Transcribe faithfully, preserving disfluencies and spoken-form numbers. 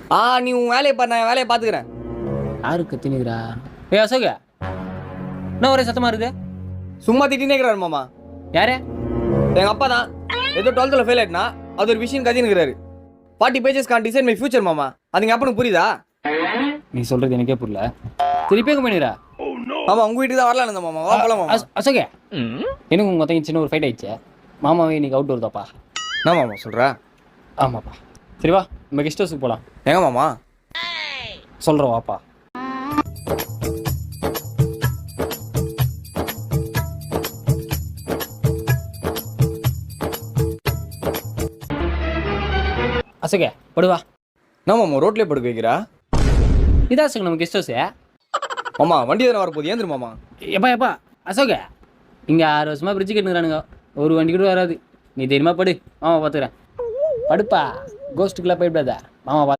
ஆ நீ உன் வேலையை பாரு, நான் என் வேலையை பார்த்துக்கிறேன். யாரு கத்தினுக்கிறா? ஏய் அசோக, என்ன ஒரே சத்தமா இருக்குது? சும்மா திட்டினே இருக்கிறாரு மாமா. யாரு? எங்கள் அப்பா தான். ஏதோ டுவெல்த்தில் ஃபெயில் ஆயிட்டுனா அது ஒரு விஷயம் கத்தினுக்கிறாரு. Forty pages can design my future மாமா. அது எங்கள் அப்பனுக்கு புரியுதா? நீ சொல்றது எனக்கே புரியல. திருப்பி எங்க பண்ணிடுறா? ஆமா, உங்க வீட்டுக்கு தான் வரலாம் இருந்த மாமா. வா போலாம் மாமா. அசோக, எனக்கு உங்க மொத்தம் சின்ன ஒரு ஃபைட் ஆயிடுச்சு. மாமாவே இன்னைக்கு அவுட் வருதாப்பா? என்ன மாமா சொல்கிறா? ஆமாப்பா. சரி வா, நம்ம கெஸ்ட் ஹவுஸுக்கு போகலாம். எங்க மாமா? சொல்கிறோம் வாப்பா. அசோக படுவா. என்ன மாமா ரோட்லேயே படுக்க வைக்கிறா? இதா அசோக நம்ம கெஸ்ட் ஹவுஸு. மாமா வண்டி தானே வரப்போகுது, ஏந்திரு மாமா. எப்பா எப்பா அசோக, இங்கே ஆறு வருஷமாக பிரிட்ஜு கட்டுங்கிறானுங்க, ஒரு வண்டி கூட வராது. நீ தெரியுமா படு, மாமா பார்த்துக்கிறேன். படுப்பா, கோஸ்ட்டுக்கெல்லாம் போயிடாத, மாமா பார்த்து.